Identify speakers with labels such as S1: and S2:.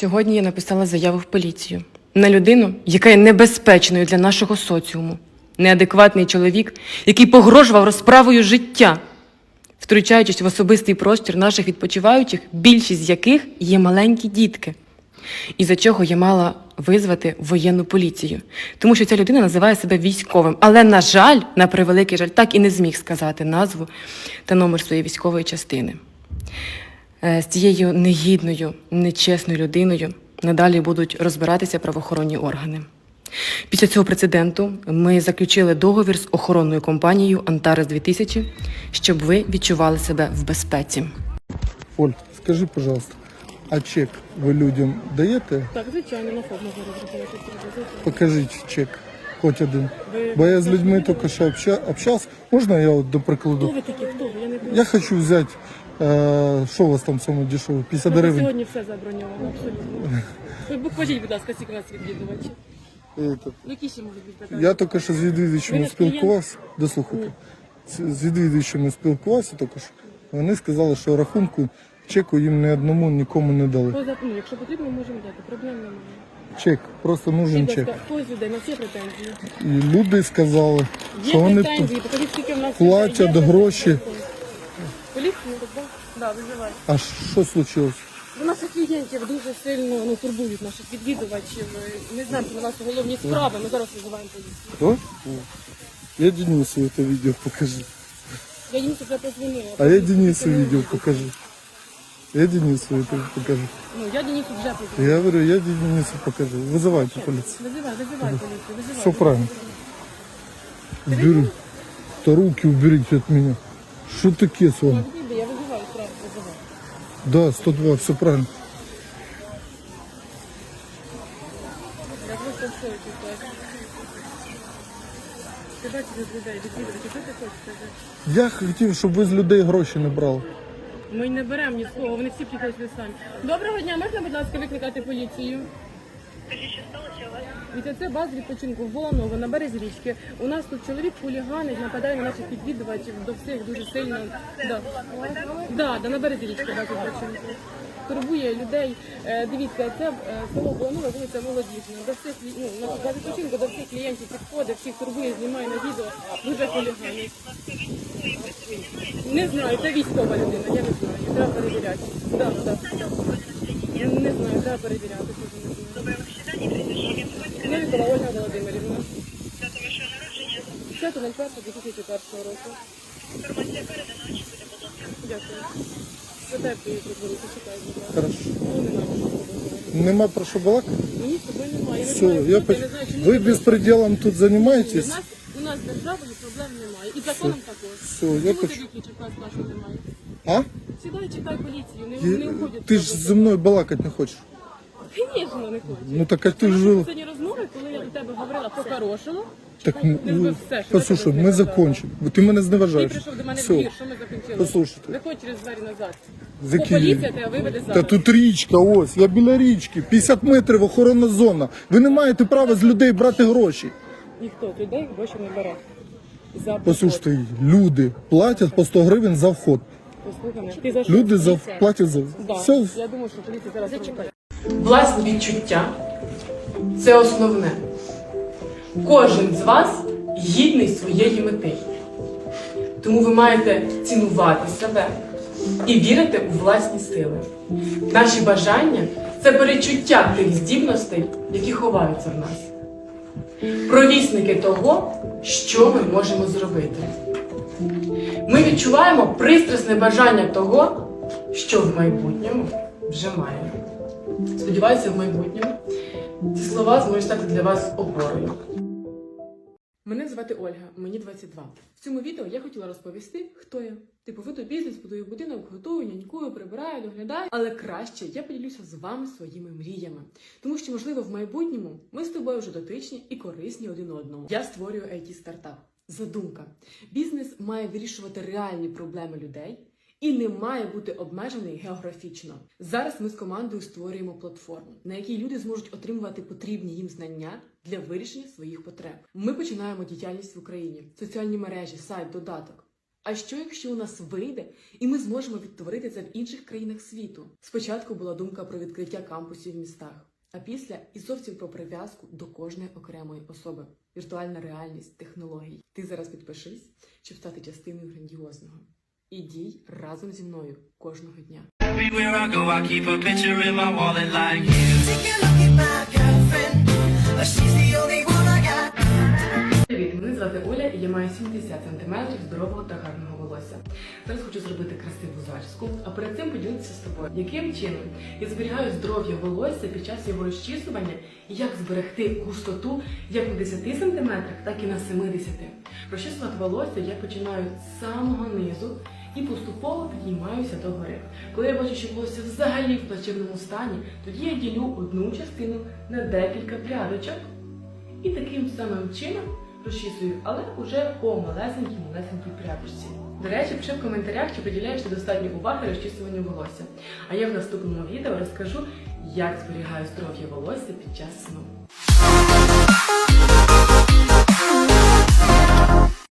S1: Сьогодні я написала заяву в поліцію на людину, яка є небезпечною для нашого соціуму. Неадекватний чоловік, який погрожував розправою життя, втручаючись в особистий простір наших відпочиваючих, більшість з яких є маленькі дітки. Із-за чого я мала визвати воєнну поліцію. Тому що ця людина називає себе військовим. Але, на жаль, на превеликий жаль, так і не зміг сказати назву та номер своєї військової частини. З цією негідною, нечесною людиною надалі будуть розбиратися правоохоронні органи. Після цього прецеденту ми заключили договір з охоронною компанією «Антарес 2000», щоб ви відчували себе в безпеці.
S2: Оль, скажи, пожалуйста, а чек ви людям даєте?
S1: Так, звичайно, на форму зараз.
S2: Покажіть чек, хоч один. Бо я з людьми тільки що общався. Можна я, от, до прикладу?
S1: Хто ви такі? Хто ви? Я не знаю.
S2: Я хочу взяти, що у вас там саме дешеве? 50 гривень?
S1: Сьогодні все заброньовано, абсолютно. Ви покажіть, будь ласка, скільки у вас відвідувачів. Які ще можуть бути питання?
S2: Я тільки що з відвідувачами спілкувався. Дослухайте. З відвідувачами спілкувався тільки що. Вони сказали, що рахунку чеку їм ні одному нікому не дали.
S1: Якщо потрібно, можемо дати. Проблем немає.
S2: Чек, просто нужен чек.
S1: Хтось людей, на всі претензії.
S2: І люди сказали,
S1: Є
S2: що вони
S1: претензії, покажіть, скільки в нас
S2: платять гроші.
S1: Поліцію, так? Да, визивайте.
S2: А що случилось?
S1: У наших клієнтів дуже сильно турбують наших відвідувачів. Ми знаємо, що на нас головні справи, ми зараз визиваємо поліцію.
S2: Хто? Я Денису це відео покажу.
S1: Я їм вже позвонила.
S2: А я Денису відео покажу. Я Денису це покажу.
S1: Я Денису вже позвонила.
S2: Я говорю, я Денису покажу. Вызывайте полицию.
S1: Визивай поліцію, визивай.
S2: Все правильно. Убери. Да руки уберите от меня. Что таке с вами?
S1: Я визиваю, справу визиваю.
S2: Да, 102, все правильно.
S1: Я просто в шоці. Ти бачиш людей, відвідувачів, що ти хочеш сказати?
S2: Я хотів, щоб ви з людей гроші не брали.
S1: Ми не беремо ні з кого, вони всі приходять самі. Доброго дня, можна, будь ласка, викликати поліцію? Від це база відпочинку Воланово на березі річки. У нас тут чоловік хуліганить, нападає на наших відвідувачів, до всіх дуже сильно. Да, на березі річки база відпочинку. Турбує людей. Дивіться, це село Воланово, вулиця Молодіжна. До всіх, на базі відпочинку до всіх клієнтів підходить, всіх турбує, знімає на відео, дуже хуліганить. Не знаю, це військова людина, я не знаю, треба перевіряти. Да. Я не знаю, треба перевіряти. Новікова Ольга Володимирівна. 5.01.2004 року.
S3: Інформація передана, чи буде, будь ласка.
S1: Дякую. Потерпію, подзвонити, чекаю, будь ласка.
S2: Хорошо. Нема про що балакати?
S1: Ні, з тобою немає.
S2: Все, ви безпределом тут займаєтесь?
S1: У нас з державою проблем немає. І законом також.
S2: Все, я
S1: Чому ти
S2: хочу.
S1: виключив нас нашу немає?
S2: А?
S1: Сідай, чекай поліцію, не уходять.
S2: Ти ж зі мною балакати не хочеш.
S1: Звісно, не хочу.
S2: Ну так а ти ж жив.
S1: Сьогодні розмови, коли я до тебе говорила по-хорошому,
S2: Так,
S1: ти робив все, що
S2: послушай,
S1: я тебе
S2: ми
S1: сказала.
S2: закончимо. Бо ти мене
S1: Ти
S2: зневажаєш.
S1: прийшов до мене в
S2: Все.
S1: двір, що ми закінчили?
S2: Послухайте.
S1: Виходь через двері назад.
S2: За
S1: Бо
S2: Київ.
S1: поліція тебе виведе
S2: Та
S1: зараз.
S2: тут річка, ось, я біля річки, 50 метрів охоронна зона. Ви не маєте права з людей брати гроші.
S1: Ніхто з людей гроші не бере. За проход.
S2: Послухайте, люди платять по 100 гривень за вход.
S1: Послухай мене. Ти за що?
S2: Люди
S1: Поліція?
S2: платять за
S1: Да.
S2: все.
S1: Я думаю, що поліція зараз зачекає.
S4: Власні відчуття – це основне. Кожен з вас гідний своєї мети. Тому ви маєте цінувати себе і вірити у власні сили. Наші бажання – це перечуття тих здібностей, які ховаються в нас. Провісники того, що ми можемо зробити. Ми відчуваємо пристрасне бажання того, що в майбутньому вже маємо. Сподіваюся, в майбутньому ці слова зможуть стати для вас опорою.
S1: Мене звати Ольга, мені 22. В цьому відео я хотіла розповісти, хто я. Типу, веду бізнес, будую будинок, готую, нянькую, прибираю, доглядаю. Але краще я поділюся з вами своїми мріями. Тому що, можливо, в майбутньому ми з тобою вже дотичні і корисні один одному. Я створюю IT-стартап. Задумка. Бізнес має вирішувати реальні проблеми людей і не має бути обмежений географічно. Зараз ми з командою створюємо платформу, на якій люди зможуть отримувати потрібні їм знання для вирішення своїх потреб. Ми починаємо діяльність в Україні. Соціальні мережі, сайт, додаток. А що, якщо у нас вийде, і ми зможемо відтворити це в інших країнах світу? Спочатку була думка про відкриття кампусів в містах, а після і зовсім про прив'язку до кожної окремої особи. Віртуальна реальність, технології. Ти зараз підпишись, щоб стати частиною грандіозного. І дій разом зі мною кожного дня.
S5: Everywhere I go, I keep a picture in my wallet like you.
S6: Take a look at my girlfriend. She's the only one I got.
S1: Привіт, мене звати Оля і я маю 70 см здорового та гарного волосся. Зараз хочу зробити красиву зачіску, а перед цим поділитися з тобою, яким чином я зберігаю здоров'я волосся під час його розчісування і як зберегти густоту як на 10 см, так і на 70. Розчісувати волосся я починаю з самого низу і поступово підіймаюся до гори. Коли я бачу, що волосся взагалі в плачевному стані, тоді я ділю одну частину на декілька прядочок і таким самим чином розчісую, але уже по малесенькій прядочці. До речі, пиши в коментарях, чи приділяєш ти достатньо уваги розчісуванню волосся. А я в наступному відео розкажу, як зберігаю здоров'я волосся під час сну.